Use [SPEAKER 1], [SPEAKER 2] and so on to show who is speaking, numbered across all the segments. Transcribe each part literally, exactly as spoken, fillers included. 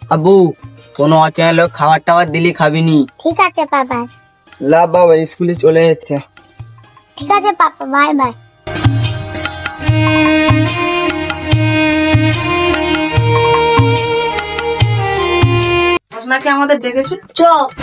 [SPEAKER 1] আব্বু কোনো অচেনা লোক খাবার টাবার দিলি খাবিনি।
[SPEAKER 2] ঠিক আছে বাবা।
[SPEAKER 1] লা বাবা স্কুলে চলে যাচ্ছে।
[SPEAKER 2] ঠিক আছে পাপা, বাই বাই।
[SPEAKER 3] নাকি আমাদের ডেকেছে।
[SPEAKER 2] চ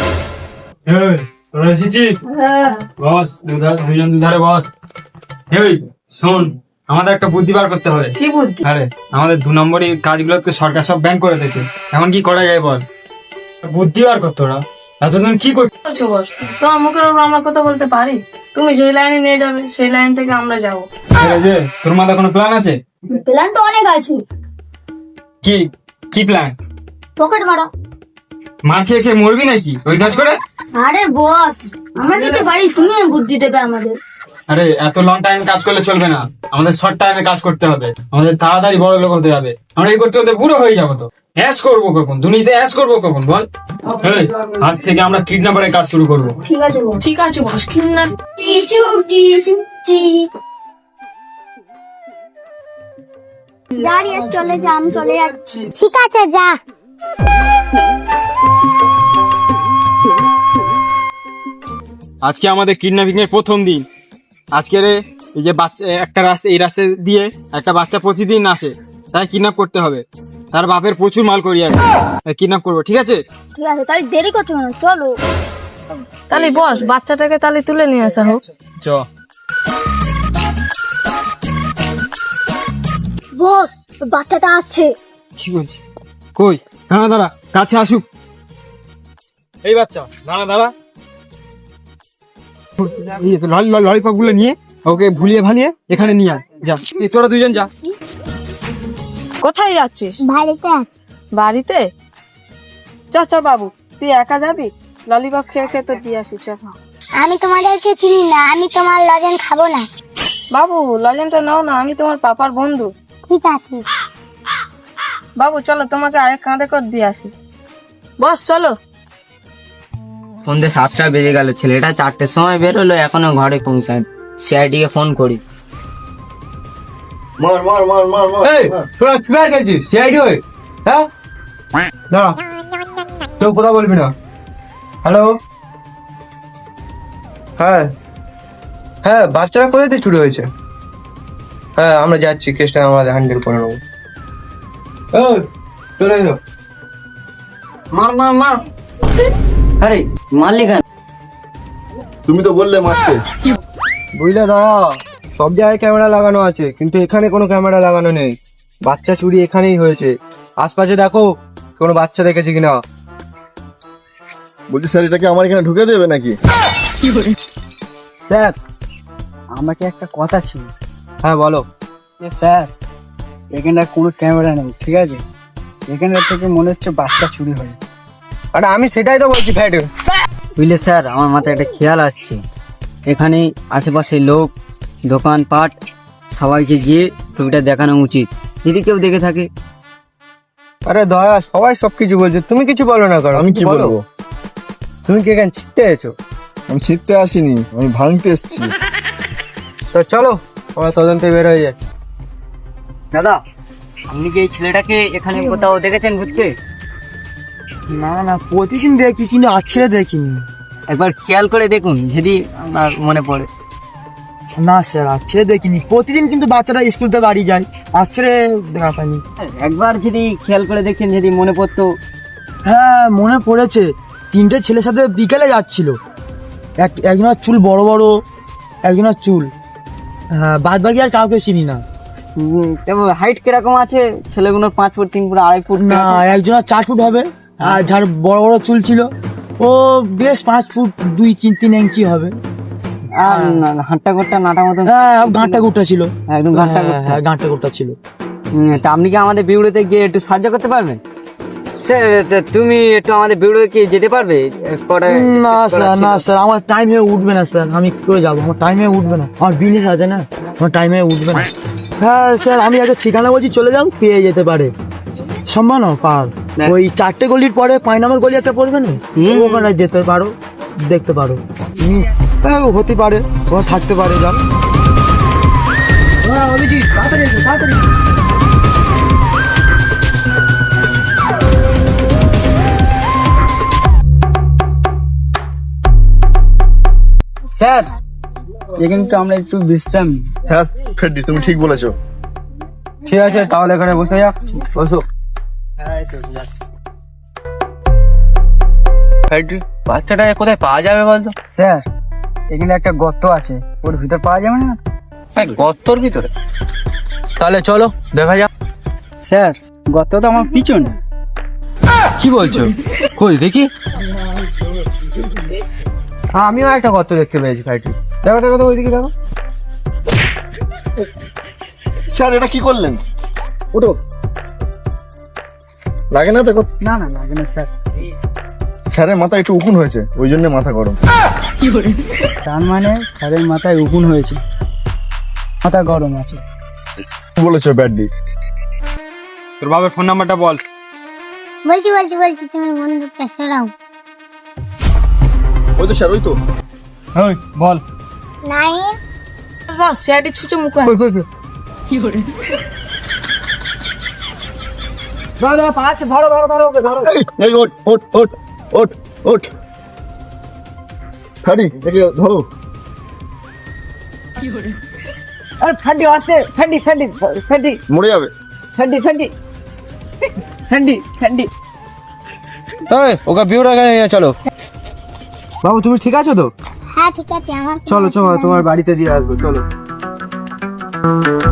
[SPEAKER 4] তোরা এসেছিস? বস দুজন দুধারে বস। এই শোন, আমাদের একটা বুদ্ধি বার করতে হবে।
[SPEAKER 3] কি বুদ্ধি?
[SPEAKER 4] আরে আমাদের দু নম্বরই কাজগুলোকে সরকার সব ব্যান করে দিয়েছে, এখন কি করা যায় বল? বুদ্ধি বার কর তোরা। এতদিন কি করছো
[SPEAKER 3] বস? তোমার মুখের উপর আমরা কথা বলতে পারি? তুমি যে লাইনে নিয়ে যাবে সেই লাইন থেকে আমরা যাবো।
[SPEAKER 4] তোর মাথায় কোনো প্ল্যান আছে?
[SPEAKER 2] প্ল্যান তো অনেক আছে।
[SPEAKER 4] কি কি প্ল্যান?
[SPEAKER 2] পকেট মারা।
[SPEAKER 4] মার খেয়ে খেয়ে মরবি নাকি ওই কাজ করে?
[SPEAKER 2] আরে বস, আমরা দিতে পারি, তুমি বুদ্ধি দেবে আমাদের।
[SPEAKER 4] আরে এত লং টাইম কাজ করলে চলবে না, আমাদের শর্ট টাইমে কাজ করতে হবে, আমাদের তাড়াতাড়ি বড় লোক হতে হবে। আমরা এই করতে করতে বুড়ো হয়ে যাবো। তো অ্যাশ করবো কখন? দুনিয়াতে অ্যাশ করবো কখন বল? এই, আজ থেকে আমরা কিডন্যাপারের কাজ শুরু করবো।
[SPEAKER 2] ঠিক আছে বস।
[SPEAKER 3] ঠিক আছে বস, কিডন্যাপ।
[SPEAKER 2] টিচু টিচু টি দাঁড়িয়ে চলে যা, আমি চলে যাচ্ছি। ঠিক আছে যা।
[SPEAKER 4] আজকে আমাদের কিডন্যাপিং এর প্রথম দিন। আজকে এই যে বাচ্চা একটা রাস্তা, এই রাস্তা দিয়ে একটা বাচ্চা প্রতিদিন আসে, তাই কিডন্যাপ করতে হবে। তার বাপের প্রচুর মাল করি আছে, কিডন্যাপ করবো। ঠিক আছে
[SPEAKER 2] ঠিক আছে, তাহলে দেরি করছো কেন? চলো।
[SPEAKER 3] তাহলে বস বাচ্চাটাকে তাহলে তুলে নিয়ে আসা হোক।
[SPEAKER 4] চ।
[SPEAKER 2] বস, বাচ্চাটা আসছে।
[SPEAKER 4] কি বলছি? কই? দাঁড়া দাঁড়া, কাছে আসুক। এই বাচ্চা দাঁড়া দাঁড়া, ললিপপ গুলো নিয়ে ওকে ভুলিয়ে ভালিয়ে এখানে নিয়ে আয়। যা, এই তোরা দুইজন যা।
[SPEAKER 3] কোথায় যাচ্ছিস?
[SPEAKER 2] বাড়িতে আছে।
[SPEAKER 3] বাড়িতে? চ চ বাবু, তুই একা যাবি? ললিপপ খেয়ে খেয়ে তো দিয়ে আসি। চ
[SPEAKER 2] আমি তোমাদেরকে চিনি না, আমি তোমার লজেন খাবো না।
[SPEAKER 3] বাবু, লজেনটা নাও না, আমি তোমার পাপার বন্ধু।
[SPEAKER 2] ঠিক আছে
[SPEAKER 3] বাবু চলো, তোমাকে আরেক কাঁধে করে দিয়ে আসি। বস চলো।
[SPEAKER 1] সন্ধ্যে সাতটা বেজে গেল, ছেলেটা চারটের সময় বেরোলো, এখনো ঘরে পৌঁছায়। সিআইডি কে ফোন করি।
[SPEAKER 5] মার মার মার মার মার।
[SPEAKER 6] এই তোরা কি বার গেছিস? সিআইডি হয়ে? হ্যাঁ দাঁড়া, কেউ কথা বলবি না। হ্যালো, হ্যাঁ হ্যাঁ বাচ্চারা কোথায় থেকে চুরি হয়েছে? হ্যাঁ আমরা যাচ্ছি, কেসটা আমরা হ্যান্ডেল করে নেবো। এই চলে এসো।
[SPEAKER 1] মার মার মার। আরে মারলি কেন?
[SPEAKER 5] তুমি তো বললে মারতে।
[SPEAKER 6] বুঝলে দাদা, সব জায়গায় ক্যামেরা লাগানো আছে, কিন্তু এখানে কোনো ক্যামেরা লাগানো নেই। বাচ্চা চুরি এখানেই হয়েছে। আশপাশে দেখো কোনো বাচ্চা দেখেছে কিনা।
[SPEAKER 5] বলছি স্যার, এটাকে আমার এখানে ঢুকে দেবে নাকি?
[SPEAKER 1] স্যার আমাকে একটা কথা ছিল।
[SPEAKER 6] হ্যাঁ বলো।
[SPEAKER 1] স্যার এখানে কোনো ক্যামেরা নেই, ঠিক আছে? এখানে থেকে মনে হচ্ছে বাচ্চা চুরি হয়।
[SPEAKER 6] আরে আমি সেটাই তো বলছি ফ্যাট।
[SPEAKER 1] বুঝলে স্যার, আমার মাথায় একটা খেয়াল আসছে। এখানে আশেপাশে লোক, দোকানপাট, সবাইকে গিয়ে ছবিটা দেখানো উচিত, যদি কেউ দেখে থাকে।
[SPEAKER 6] আরে দয়া, সবাই সবকিছু বলছে, তুমি কিছু বলো না। করো
[SPEAKER 5] আমি কি বলবো?
[SPEAKER 6] তুমি কি এখানে ছিটতে এসেছো?
[SPEAKER 5] আমি ছিটতে আসিনি, আমি ভাঙতে এসেছি।
[SPEAKER 6] তো চলো ওরা তদন্তে বের হয়ে যায়।
[SPEAKER 1] দাদা, আপনি কি এই ছেলেটাকে এখানে কোথাও দেখেছেন ঘুরতে?
[SPEAKER 6] না না, প্রতিদিন দেখি কিন্তু আজকে দেখিনি।
[SPEAKER 1] একবার খেয়াল করে দেখুন, যদি আমার মনে পড়ে।
[SPEAKER 6] না স্যার, আজকে দেখিনি। প্রতিদিন কিন্তু বাচ্চারা স্কুল থেকে বাড়ি যায়, আজকে দেখা পাইনি।
[SPEAKER 1] একবার যদি খেয়াল করে দেখেন, যদি মনে পড়তো।
[SPEAKER 6] হ্যাঁ মনে পড়েছে, তিনটে ছেলের সাথে বিকেলে যাচ্ছিল। এক একজনের চুল বড় বড়, একজনের চুল, হ্যাঁ বাদ বাকি আর কাউকে চিনি না।
[SPEAKER 1] হাইট কিরকম আছে ছেলেগুলোর? পাঁচ ফুট, তিন ফুট, আড়াই ফুট?
[SPEAKER 6] না, একজনের চার ফুট হবে, আর যার বড় বড় চুল ছিল ও বেশ পাঁচ ফুট দুই তিন তিন ইঞ্চি হবে।
[SPEAKER 1] আর ঘাটটা ঘাটটা নাটা মতো?
[SPEAKER 6] হ্যাঁ ঘাটটা গুটটা ছিল,
[SPEAKER 1] একদম ঘাটটা
[SPEAKER 6] হ্যাঁ, হ্যাঁ ঘাটটা গুটটা ছিল।
[SPEAKER 1] হুম, তা আপনি কি আমাদের বিউড়োতে গিয়ে একটু সাহায্য করতে পারবেন? স্যার তা তুমি একটু আমাদের বিউড়োতে কি যেতে পারবে? কটা
[SPEAKER 6] না স্যার, না স্যার, আমার টাইম হয়ে উঠবে না স্যার। আমি কি করে যাবো? আমার টাইম হয়ে উঠবে না, আমার বিজনেস আছে না, আমার টাইম হয়ে উঠবে না। হ্যাঁ স্যার, আমি একটা ঠিকানা বলছি, চলে যাও, পেয়ে যেতে পারে। সম্ভব না পার, ওই চারটে গলির পরে পাঁচ নম্বর গলি একটা পড়বে না, ওখানে যেতে পারো, দেখতে পারো। হুম, হ্যাঁ হতে পারে, ওখানে থাকতে পারে। যাও। হ্যাঁ অভিজিৎ, তাড়াতাড়ি এসো, তাড়াতাড়ি।
[SPEAKER 1] স্যার এখানে তো আমরা একটু বিশ্রাম নিই।
[SPEAKER 5] হ্যাঁ ফেডি তুমি ঠিক বলেছো।
[SPEAKER 6] ঠিক আছে তাহলে এখানে বসে যাক, বসো। বাচ্চাটা কোথায় পাওয়া যাবে বলতো?
[SPEAKER 1] স্যার এখানে একটা গর্ত আছে, ওর ভিতর পাওয়া যাবে না?
[SPEAKER 6] হ্যাঁ, গর্তর ভিতরে? তাহলে চলো দেখা যাক।
[SPEAKER 1] স্যার গর্ত তো আমার পিছনে।
[SPEAKER 6] কি বলছো? কই দেখি। হ্যাঁ, আমিও একটা গর্ত দেখতে পেয়েছি ভাইটি। দেখো দেখো তো ওইদিকে দেখো।
[SPEAKER 5] স্যার এটা কি করলেন? ওঠো, লাগে না দেখো।
[SPEAKER 1] না না লাগে না স্যার।
[SPEAKER 5] স্যারের মাথা একটু উকুন হয়েছে, ওই জন্য মাথা গরম।
[SPEAKER 1] তার মানে স্যারের মাথায় উকুন হয়েছে, মাথা গরম আছে।
[SPEAKER 5] বলেছো ব্যাডি।
[SPEAKER 4] তোর বাবার ফোন নাম্বারটা বল।
[SPEAKER 2] বলছি বলছি বলছি তুমি বন্ধুটা সরাও।
[SPEAKER 5] ওই তো স্যার, ওই তো।
[SPEAKER 4] ওই বল।
[SPEAKER 2] নাইন
[SPEAKER 3] স্যারটি ছুটে মুখ
[SPEAKER 6] দাদা পাঁচ ধরো ধরো ধরো ওকে ধরো।
[SPEAKER 5] এই, এই ওঠ ওঠ ওঠ ওঠ ওঠ। ফেডি একে ধরো।
[SPEAKER 3] আরে ফ্যান্ডি আছে, ফ্যান্ডি ফ্যান্ডি ফ্যান্ডি
[SPEAKER 5] মরে যাবে।
[SPEAKER 3] ফ্যান্ডি ফ্যান্ডি ফ্যান্ডি ফ্যান্ডি
[SPEAKER 6] এই ওকে বিউরা নিয়ে চলো। বাবু তুমি ঠিক আছো তো?
[SPEAKER 2] হ্যাঁ ঠিক আছে আমার
[SPEAKER 6] চলো চলো তোমার বাড়িতে দিয়ে আসবো, চলো।